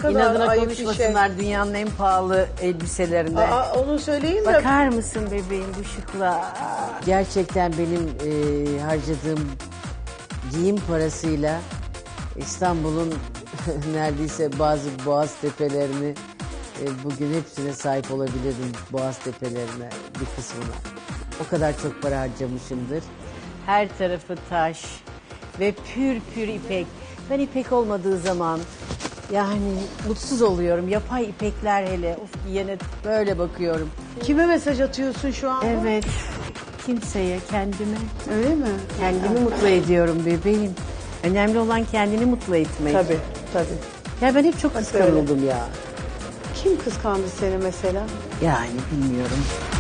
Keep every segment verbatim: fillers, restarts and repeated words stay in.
kadar İnadına ayıp bir şey. konuşmasınlar dünyanın en pahalı elbiselerinde. Aa, onu söyleyeyim de. Bakar mısın bebeğim bu şıkla? Gerçekten benim e, harcadığım giyim parasıyla İstanbul'un neredeyse bazı boğaz tepelerini e, bugün hepsine sahip olabilirdim. Boğaz tepelerine bir kısmına. O kadar çok para harcamışımdır. Her tarafı taş ve pür pür ipek. Ben ipek olmadığı zaman yani mutsuz oluyorum. Yapay ipekler hele. Of yine böyle bakıyorum. Kime mesaj atıyorsun şu an? Evet. Kimseye, kendime. Öyle mi? Kendimi mutlu ediyorum bebeğim. Önemli olan kendini mutlu etmek. Tabii, tabii. Ya ben hep çok kıskanıldım ya. Kim kıskandı seni mesela? Yani bilmiyorum.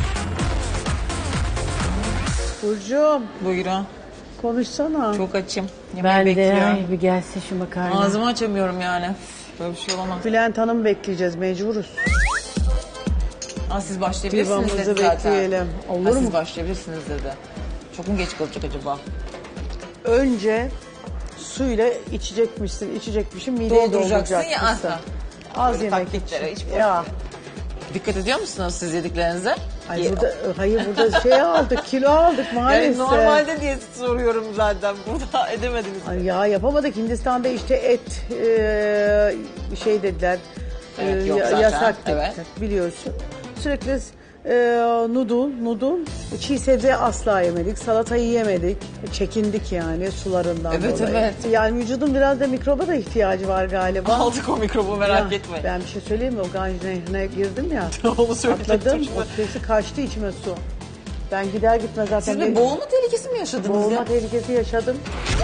Burcu'm Buyurun. konuşsana. Çok açım. Yemeği Ben de bekliyorum. ay bir gelsin şu makarna. Ağzımı açamıyorum yani. Böyle bir şey olamaz. Bülent Hanım bekleyeceğiz, mecburuz. Aa, siz başlayabilirsiniz Divamızı dedi zaten. bekleyelim. Olur Ha, mu? Siz başlayabilirsiniz dedi. Çok mu geç kalacak acaba? Önce suyla içecekmişsin, içecekmişsin, mideyi Dolduracaksın ya dolduracakmışsın. asla. Az Böyle yemek taktiklere için. hiç Ya. Dikkat ediyor musunuz siz yediklerinize? Ay Ye- burada, hayır burada şey aldık, kilo aldık maalesef. Yani normalde diye soruyorum zaten. Burada edemediniz. Ay ya yapamadık. Hindistan'da işte et e, şey dediler. Evet, e, yok ya- zaten. yasak dediler, Evet. biliyorsun. Sürekli e, noodle, noodle, çiğ sebze asla yemedik. Salatayı yemedik. Çekindik yani sularından Evet, dolayı. evet. Yani vücudun biraz da mikroba da ihtiyacı var galiba. Aldık o mikrobu merak Ya, etmeyin. Ben bir şey söyleyeyim mi? O Ganj Nehri'ne girdim ya. Onu söyleyecektim Atladım. şimdi. O sesi kaçtı içime su. Ben gider gitmez zaten. Siz bir benim- boğulma tehlikesi mi yaşadınız Boğulma ya? tehlikesi yaşadım.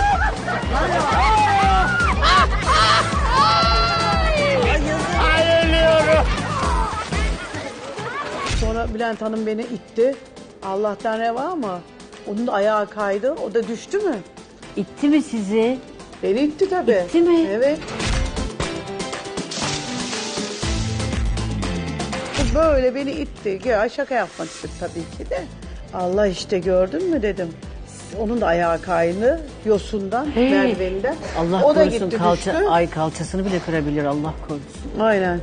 Sonra Bülent Hanım beni itti. Allah'tan reva ama onun da ayağı kaydı. O da düştü mü? İtti mi sizi? Beni itti tabii. İtti mi? Evet. Böyle beni itti. Ya şaka yapmak istedim tabii ki de. Allah işte gördün mü dedim. Onun da ayağı kaydı yosundan, Hey. merdiveninden. Allah o da korusun gitti kalça, düştü. ay kalçasını bile kırabilir Allah korusun. Aynen.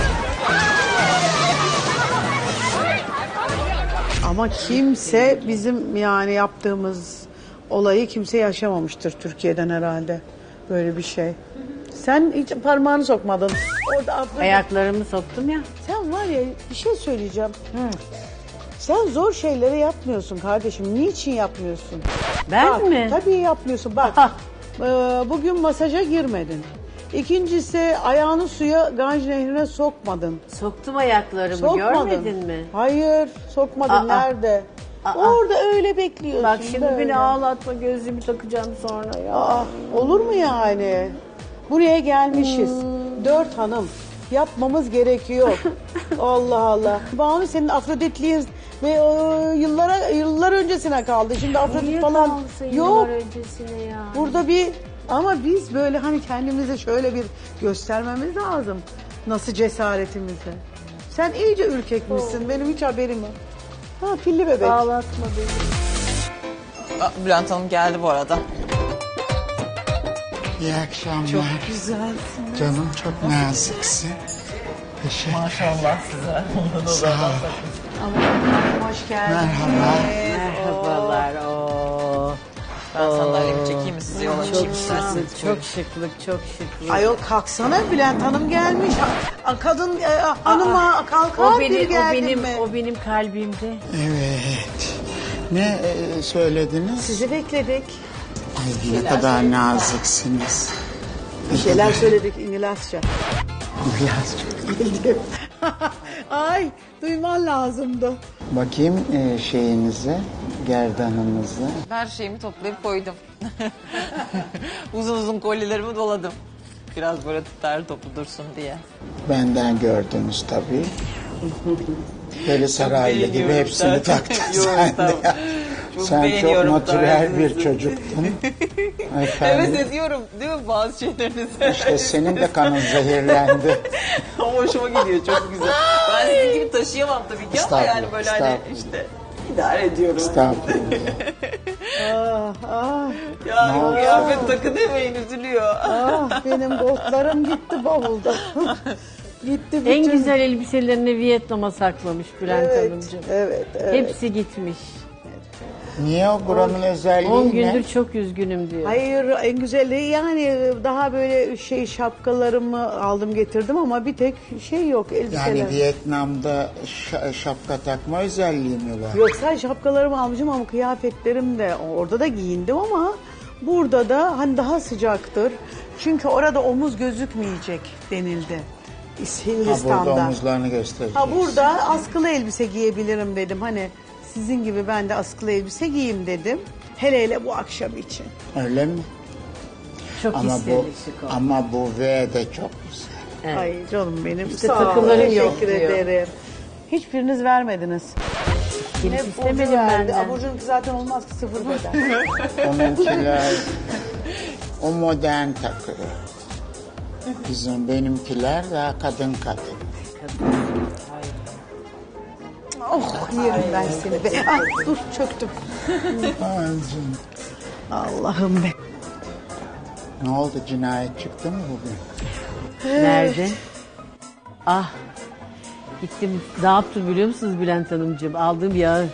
Ama kimse bizim yani yaptığımız olayı kimse yaşamamıştır Türkiye'den herhalde. Böyle bir şey. Sen hiç parmağını sokmadın. Orada abla- Ayaklarımı soktum ya. Sen var ya bir şey söyleyeceğim. Sen zor şeyleri yapmıyorsun kardeşim. Niçin yapmıyorsun? Ben Bak, mi? Tabii yapmıyorsun. Bak Aha. e, bugün masaja girmedin. İkincisi ayağını suya Ganj Nehri'ne sokmadın. Soktum ayaklarımı Sokmadın. görmedin mi? Hayır sokmadın. Aa. Nerede? Aa. Orada öyle bekliyorsun. Bak şimdi böyle. beni ağlatma gözlüğümü takacağım sonra ya. Aa, olur mu yani? Buraya gelmişiz. Hmm. Dört hanım. Yapmamız gerekiyor. Allah Allah. Banu senin Afroditliğin ve o, yıllara yıllar öncesine kaldı. Şimdi Afrodit Niye falan kalsın yok. yıllar öncesine ya? Burada bir ama biz böyle hani kendimize şöyle bir göstermemiz lazım. Nasıl cesaretimizi. Sen iyice ürkekmişsin. Benim hiç haberim yok. Ha pilli bebek. Ağlatma beni. Aa, Bülent Hanım geldi bu arada. İyi akşamlar. Çok güzelsin. Canım çok naziksin. Teşekkür Maşallah size. Sağ ol. Hoş geldin. Merhaba. Merhabalar. Oo. Ben sandalyemi çekeyim mi size yola Çok çıkayım şıklık, isterseniz? çok şıklık, çok şıklık. Ayol kalksana Bülent Hanım gelmiş. Ha- Kadın e, hanıma kalkar o bir benim, o geldin benim, mi? o benim kalbimde. Evet. Ne e, söylediniz? Sizi bekledik. Ay, ne kadar naziksiniz. Bir şeyler söyledik İngilizce. Biraz çok. Bildim. Ay duyman lazımdı. Bakayım e, şeyinize, gerdanınıza. Her şeyimi toplayıp koydum. Uzun uzun kolyelerimi doladım. Biraz böyle der toplu dursun diye. Benden gördünüz tabii. Böyle saraylı gibi beğeniyorum hepsini zaten. taktın Yok, sen de. tamam. ya. Çok Sen çok beğeniyorum natürel bir tarzınızı. çocuktun. Evet Efendim, ediyorum değil mi bazı şeylerinize? işte senin de kanın zehirlendi. Ama hoşuma gidiyor çok güzel. Ben sizin gibi taşıyamam tabii ki ama Estağfurullah, yani böyle hani estağfurullah. işte idare ediyorum. Estağfurullah. Ah, ah, Ya kıyafet takı demeyin üzülüyor. ah, benim goldlarım gitti bavulda. Gitti bütün. En güzel elbiselerini Vietnam'a saklamış Bülent Evet, Hanımcığım. evet, evet. Hepsi gitmiş. Niye o buranın özelliği on ne? gündür çok üzgünüm diyor. Hayır, en güzeli yani daha böyle şey şapkalarımı aldım getirdim ama bir tek şey yok, elbiseler. Yani Vietnam'da şa- şapka takma özelliği mi var? Yok, sadece şapkalarımı almışım ama kıyafetlerim de orada da giyindim ama burada da hani daha sıcaktır. Çünkü orada omuz gözükmeyecek denildi. Ha, Hindistan'da. burada omuzlarını göstereceğiz. Ha, burada askılı elbise giyebilirim dedim. Hani sizin gibi ben de askılı elbise giyeyim dedim. Hele hele bu akşam için. Öyle mi? Çok Ama bu, istedik şık oldu. ama bu V de çok güzel. Evet. Ay canım benim. İşte Sağ olun, takıların yok teşekkür diyor. ederim. Hiçbiriniz vermediniz. Kimse Burcu istemedim verdi. benden. Aa, Burcu'nunki zaten olmaz ki, sıfır beden. Onunkiler o modern takı. Bizim benimkiler daha kadın kadın. Oh, yerim ben seni be. Ay, dur çöktüm. Ağzım. Allah'ım be. Ne oldu, cinayet çıktı mı bugün? Nerede? Ah. Gittim. Ne yaptım biliyor musunuz Bülent Hanımcığım? Aldığım yağı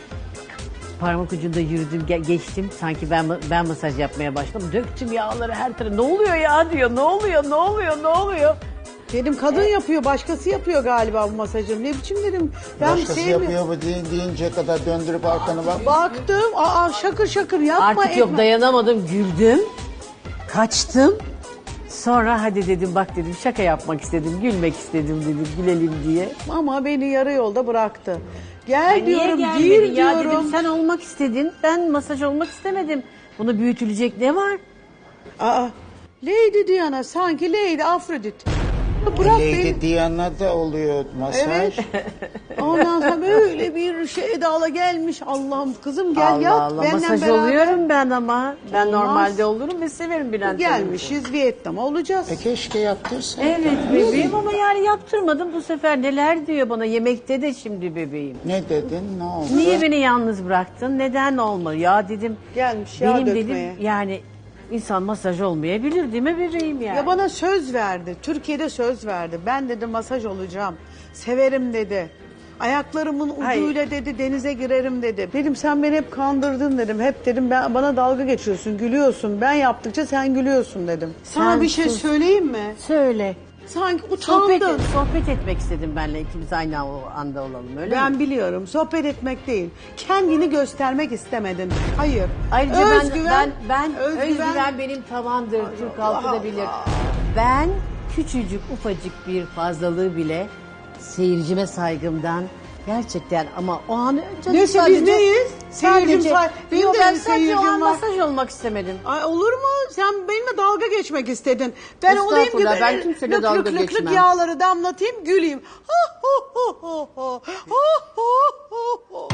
parmak ucunda yürüdüm, ge- geçtim. Sanki ben ben masaj yapmaya başladım. Döktüm yağları her tarafa. Ne oluyor ya diyor. Ne oluyor? Ne oluyor? Ne oluyor? Dedim kadın yapıyor, başkası yapıyor galiba bu masajı. Ne biçim dedim. Ben Başkası sevmiyorum. yapıyor bu deyin, deyince kadar döndürüp arkana bak. Baktım, aa şakır şakır yapma. Artık yok, etme. dayanamadım. Güldüm. Kaçtım. Sonra hadi dedim, bak dedim, şaka yapmak istedim. Gülmek istedim dedim. Gülelim diye. Ama beni yarı yolda bıraktı. Gel diyorum, Niye gir gelmedin ya diyorum. dedim, sen olmak istedin. Ben masaj olmak istemedim. Bunu büyütülecek ne var? Aa, Lady Diana sanki Lady Afrodit. Bırak Lady beni. Diana da oluyor masaj. Evet. Ondan sonra böyle bir şey Eda'la gelmiş. Allah'ım kızım gel Allah yat. Allah, Benden masaj beraber. oluyorum ben ama. Ben Olmaz. normalde olurum ve severim Bülent Hanımcığım. Gelmişiz Vietnam'a olacağız. E keşke yaptırsaydın. Evet bebeğim ama yani yaptırmadım bu sefer. Neler diyor bana yemekte de şimdi bebeğim. Ne dedin, ne oldu? Niye beni yalnız bıraktın? Neden olmadı? Ya dedim. Gelmiş yağ benim dökmeye. dedim yani insan masaj olmayabilir değil mi bebeğim yani? Ya bana söz verdi. Türkiye'de söz verdi. Ben dedi masaj olacağım. Severim dedi. Ayaklarımın ucuyla dedi denize girerim dedi. Dedim sen beni hep kandırdın dedim. Hep dedim ben bana dalga geçiyorsun, gülüyorsun. Ben yaptıkça sen gülüyorsun dedim. Sana Sen bir şey sus. söyleyeyim mi? Söyle. Sanki Sohbet, utandın. sohbet etmek istedim benle, ikimiz aynı o anda olalım öyle Ben mi? biliyorum. Sohbet etmek değil. Kendini göstermek istemedin. Hayır. Ayrıca özgüven, ben, ben özgüven, özgüven, benim tavandır. Türk halkı da bilir. Ben küçücük ufacık bir fazlalığı bile seyircime saygımdan gerçekten ama o an canım Neyse, biz sadece neyiz? Seyircim sadece say- benim Yok, de ben sadece o seyircim an var. masaj olmak istemedim. Ay olur mu? Sen benimle dalga geçmek istedin. Ben olayım ki Estağfurullah, ben böyle kimseyle lık dalga lık lık lık geçmem. yağları damlatayım, güleyim. Ha, ho, ho, ho, ho. Ha, ho, ho, ho.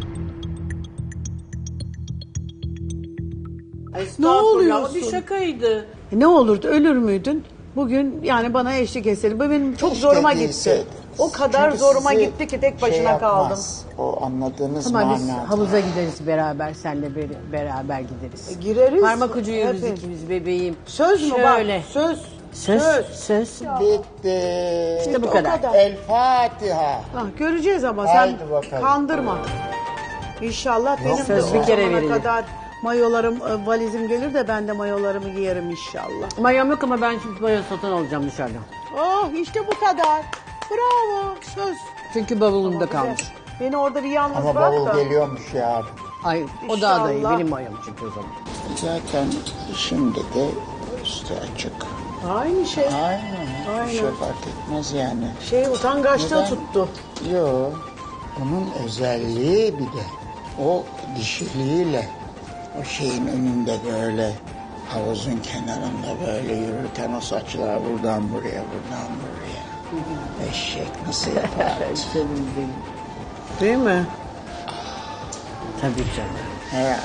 Ne oluyorsun? O bir şakaydı. E, Ne olurdu, ölür müydün? Bugün yani bana eşlik etseydin. Bu benim çok Keşke zoruma gitti. değilseydi. O kadar Çünkü zoruma sizi gitti ki tek şey başına kaldım. yapmaz. O anladığınız Ama biz manada. havuza gideriz beraber, senle ber- beraber gideriz. E, gireriz. Parmak ucu yürürüz Evet. ikimiz bebeğim. Söz mü Şöyle. bak? Söz. Söz, söz. Bitti. İşte bu O kadar. kadar. El Fatiha. Ah, göreceğiz ama Haydi sen bakalım. kandırma. İnşallah benim de söz o bir kere zamana verilir. kadar mayolarım, e, valizim gelir de ben de mayolarımı giyerim inşallah. Mayom yok ama ben şimdi mayo satın alacağım dışarıdan. Oh işte bu kadar. Bravo. Söz. Çünkü bavulumda kalmış. Beni orada bir yalnız Ama bırak bavul da. geliyormuş yarın. Ay o daha da iyi. İnşallah. Benim mayom çünkü o zaman. Zaten şimdi de üstü açık. Aynı şey. Aynen. Aynen. Bir şey fark etmez yani. Şey utangaçlığı Neden? tuttu. Yo. Onun özelliği bir de o dişiliğiyle o şeyin önünde böyle havuzun kenarında böyle yürürken o saçlar buradan buraya buradan buraya. Eşek nasıl yapar? Canım benim. Değil mi? Tabii canım. Ya.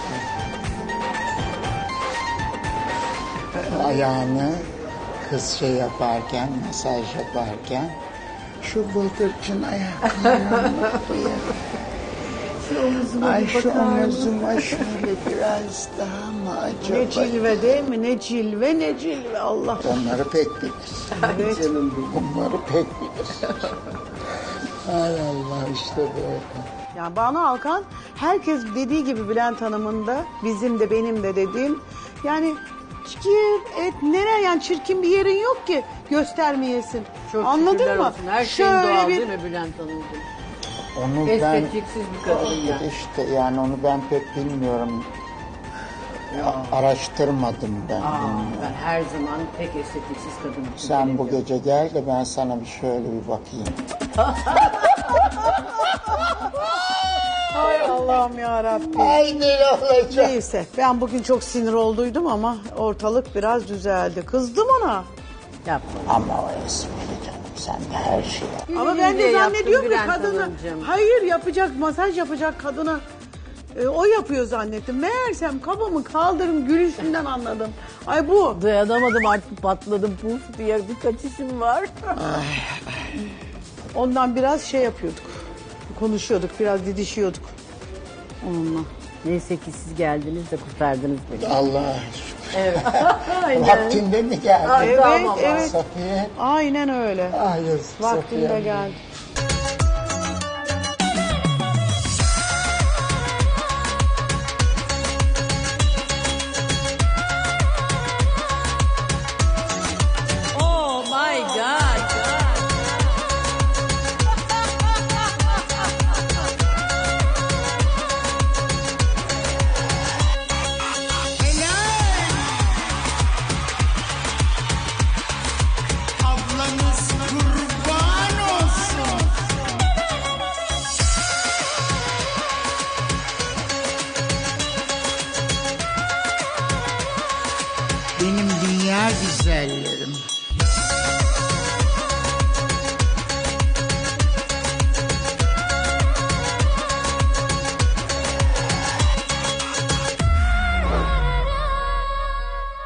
Ayağını kız şey yaparken, masaj yaparken şu bıldırcın ayaklarına bak ya. Şu omuzuma Ay bir şu bakar mısın? omuzuma şöyle biraz daha mı acaba? Ne cilve değil mi? Ne cilve ne cilve Allah. Onları pek bilir. Ay canım benim. Onları pek bilir. Ay Allah işte böyle. Yani Banu Alkan herkes dediği gibi Bülent Hanım'ın da bizim de benim de dediğim yani gir et nereye yani çirkin bir yerin yok ki göstermeyesin. Çok Anladın şükürler mı? olsun. Her şeyin Şöyle doğal bir değil mi Bülent Hanımcığım? Onu ben Estetiksiz bir kadın yani. işte yani onu ben pek bilmiyorum. A- Araştırmadım ben. Aa, bilmiyorum. ben her zaman pek estetiksiz kadın için Sen bu bilemiyorum. gece gel de ben sana bir şöyle bir bakayım. Ay Allah'ım ya Rabbi. Ay ne olacak? Neyse ben bugün çok sinir olduydum ama ortalık biraz düzeldi. Kızdım ona. Yapma. Ama o esprili canım sen de her şeyi. Ama Güle ben de güle zannediyorum ki yaptın Bülent kadını Hanımcığım. hayır yapacak masaj yapacak kadına e, o yapıyor zannettim. Meğersem kabamı kaldırım gülüşünden anladım. Ay bu. Dayanamadım artık patladım puf diye bir kaçışım var. Ondan biraz şey yapıyorduk. Konuşuyorduk biraz didişiyorduk. Onunla. Neyse ki siz geldiniz de kurtardınız beni. Allah'a şükür. Evet. Aynen. Vaktinde mi geldin? Ay, Evet tamam. evet. Safiye. Aynen öyle. Ay yazık Vaktinde Safiye. geldi.